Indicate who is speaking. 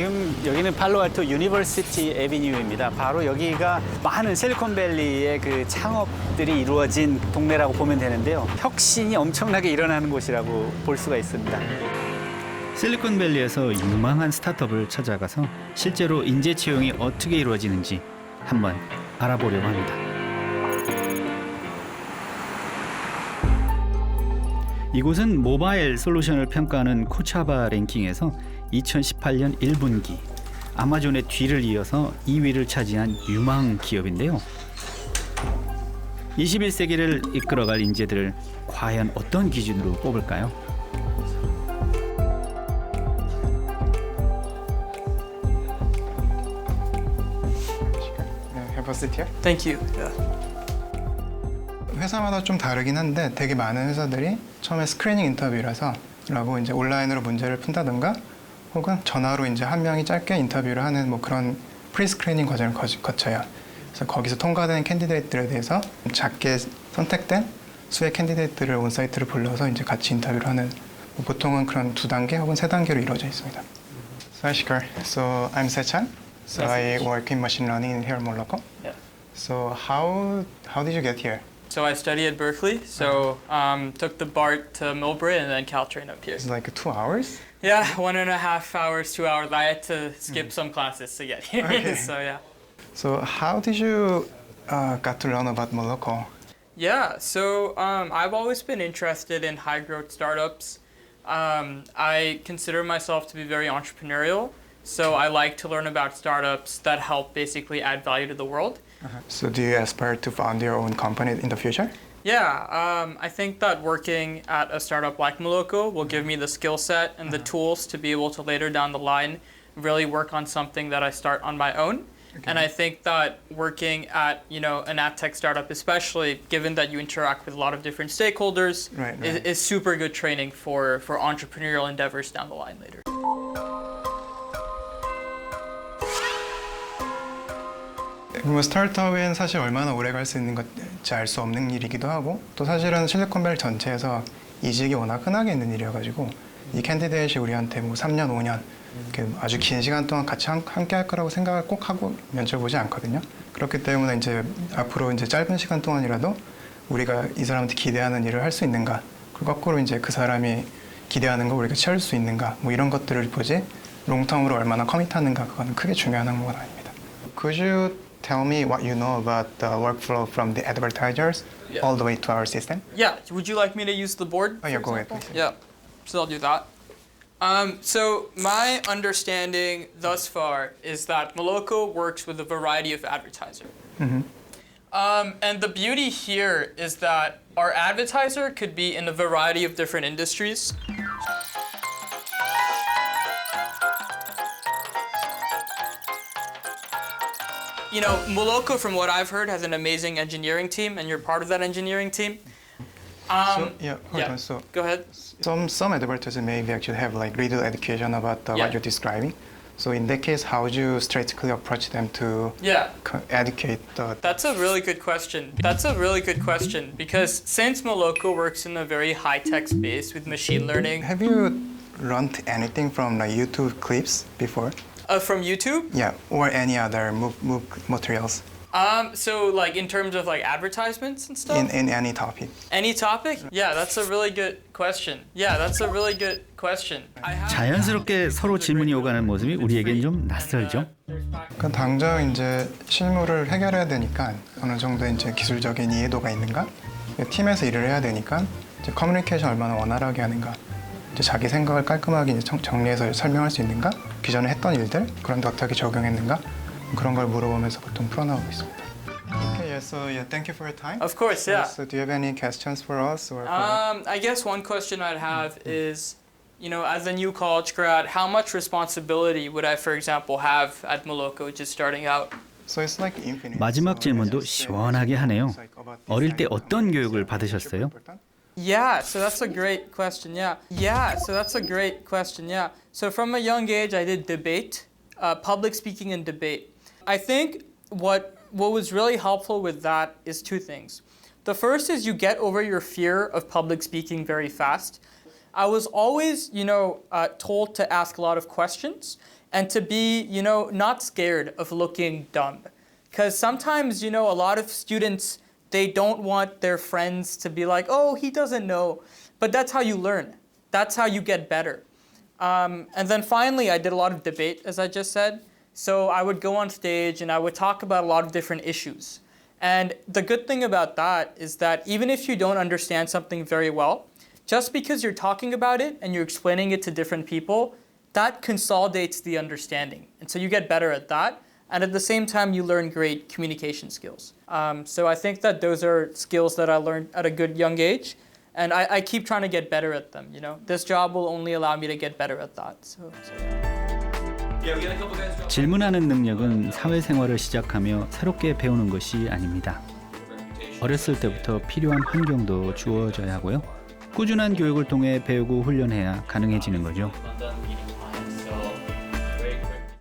Speaker 1: 지금 여기는 팔로알토 유니버시티 애비뉴입니다. 바로 여기가 많은 실리콘밸리의 그 창업들이 이루어진 동네라고 보면 되는데요. 혁신이 엄청나게 일어나는 곳이라고 볼 수가 있습니다. 실리콘밸리에서 유망한 스타트업을 찾아가서 실제로 인재 채용이 어떻게 이루어지는지 한번 알아보려고 합니다. 이곳은 모바일 솔루션을 평가하는 코차바 랭킹에서 2018년 1분기 아마존의 뒤를 이어서 2위를 차지한 유망 기업인데요. 21세기를 이끌어갈 인재들을 과연 어떤 기준으로 뽑을까요?
Speaker 2: Have a seat here.
Speaker 3: Thank you. Yeah.
Speaker 2: 회사마다 좀 다르긴 한데 되게 많은 회사들이 처음에 스크리닝 인터뷰라서 라고 이제 온라인으로 문제를 푼다든가 혹은 전화로 이제 한 명이 짧게 인터뷰를 하는 뭐 그런 프리 스크리닝 과정을 거쳐요. 그래서 거기서 통과된 캔디데이트들에 대해서 작게 선택된 수의 캔디데이트를 온사이트로 불러서 이제 같이 인터뷰를 하는 뭐 보통은 그런 2단계 혹은 3단계로 이루어져 있습니다. So hi Shikar. So I'm Sechan. So I work in machine learning in here in Moloko.
Speaker 3: Yeah.
Speaker 2: So how did you get here?
Speaker 3: So I study at Berkeley. So took the BART to Millbrae and then Caltrain up here.
Speaker 2: It's like 2 hours?
Speaker 3: Yeah, 1.5 hours, 2 hours. I had to skip some classes to get here.
Speaker 2: Okay.
Speaker 3: So yeah.
Speaker 2: So how did you got to learn about Moloko?
Speaker 3: Yeah, so I've always been interested in high growth startups. I consider myself to be very entrepreneurial. So I like to learn about startups that help basically add value to the world.
Speaker 2: So do you aspire to found your own company in the future?
Speaker 3: Yeah, I think that working at a startup like Moloko will give me the skill set and the tools to be able to later down the line really work on something that I start on my own.
Speaker 2: Okay.
Speaker 3: And I think that working at an ad tech startup, especially given that you interact with a lot of different stakeholders,
Speaker 2: Right.
Speaker 3: is super good training for entrepreneurial endeavors down the line later.
Speaker 2: 뭐 스타트업은 사실 얼마나 오래 갈 수 있는 건지 알 수 없는 일이기도 하고 또 사실은 실리콘밸리 전체에서 이직이 워낙 흔하게 있는 일이어가지고 이 캔디데이트이 우리한테 뭐 3년, 5년 아주 긴 시간 동안 같이 함께 할 거라고 생각을 꼭 하고 면접 보지 않거든요. 그렇기 때문에 이제 앞으로 이제 짧은 시간 동안이라도 우리가 이 사람한테 기대하는 일을 할 수 있는가 그리고 거꾸로 이제 그 사람이 기대하는 걸 우리가 채울 수 있는가 뭐 이런 것들을 보지 롱텀으로 얼마나 커밋하는가 그거는 크게 중요한 항목은 아닙니다. Could you tell me what you know about the workflow from the advertisers
Speaker 3: Yeah.
Speaker 2: all the way to our system?
Speaker 3: Yeah, would you like me to use the board?
Speaker 2: Oh, yeah,
Speaker 3: for
Speaker 2: go ahead,
Speaker 3: example?
Speaker 2: please.
Speaker 3: Yeah, so I'll do that. So my understanding thus far is that Moloko works with a variety of advertisers. And the beauty here is that our advertiser could be in a variety of different industries. Moloko, from what I've heard, has an amazing engineering team, and you're part of that engineering team.
Speaker 2: Hold on. So
Speaker 3: Go ahead.
Speaker 2: some advertisers maybe actually have like little education about
Speaker 3: Yeah.
Speaker 2: what you're describing. So in that case, how would you strategically approach them to
Speaker 3: Yeah.
Speaker 2: educate the?
Speaker 3: That's a really good question. Because since Moloko works in a very high-tech space with machine learning,
Speaker 2: Have you learned anything from like YouTube clips before?
Speaker 3: from YouTube,
Speaker 2: Yeah, or any other MOOC materials
Speaker 3: so like in terms of like advertisements and stuff,
Speaker 2: in any topic?
Speaker 3: any topic? Yeah, that's a really good question. I have
Speaker 1: 자연스럽게 서로 질문이 오가는 모습이 우리에겐 좀 낯설죠.
Speaker 2: 그러니까 당장 이제 실무를 해결해야 되니까 어느 정도 이제 기술적인 이해도가 있는가? 팀에서 일을 해야 되니까 이제 커뮤니케이션 얼마나 원활하게 하는가? 이제 자기 생각을 깔끔하게 이제 정리해서 설명할 수 있는가? 기존에 했던 일들 그런 데 어떻게 적용했는가? 그런 걸 물어보면서 보통 풀어나가고 있습니다. Okay, so thank you for your time.
Speaker 3: Of course, yeah.
Speaker 2: So do you have any questions for us or?
Speaker 3: I guess one question I'd have is, as a new college grad, how much responsibility would I, for example, have at Moloko just starting out?
Speaker 2: So it's like infinite.
Speaker 1: 마지막
Speaker 2: So
Speaker 1: 질문도
Speaker 2: it's just,
Speaker 1: 시원하게 하네요.
Speaker 2: it's like about
Speaker 1: 어릴 때
Speaker 2: design
Speaker 1: 어떤
Speaker 2: companies,
Speaker 1: 교육을
Speaker 2: super
Speaker 1: 받으셨어요?
Speaker 2: important.
Speaker 3: Yeah, so that's a great question. So from a young age, I did debate, public speaking and debate. I think what was really helpful with that is 2 things. The first is you get over your fear of public speaking very fast. I was always, told to ask a lot of questions, and to be, not scared of looking dumb. Because sometimes, a lot of students, they don't want their friends to be like, oh, he doesn't know. But that's how you learn. That's how you get better. And then finally, I did a lot of debate, as I just said. So I would go on stage and I would talk about a lot of different issues. And the good thing about that is that even if you don't understand something very well, just because you're talking about it and you're explaining it to different people, that consolidates the understanding. And so you get better at that. And at the same time, you learn great communication skills. So I think that those are skills that I learned at a good young age. And I keep trying to get better at them. This job will only allow me to get better at that. So yeah.
Speaker 1: 질문하는 능력은 사회생활을 시작하며 새롭게 배우는 것이 아닙니다. 어렸을 때부터 필요한 환경도 주어져야 하고요. 꾸준한 교육을 통해 배우고 훈련해야 가능해지는 거죠.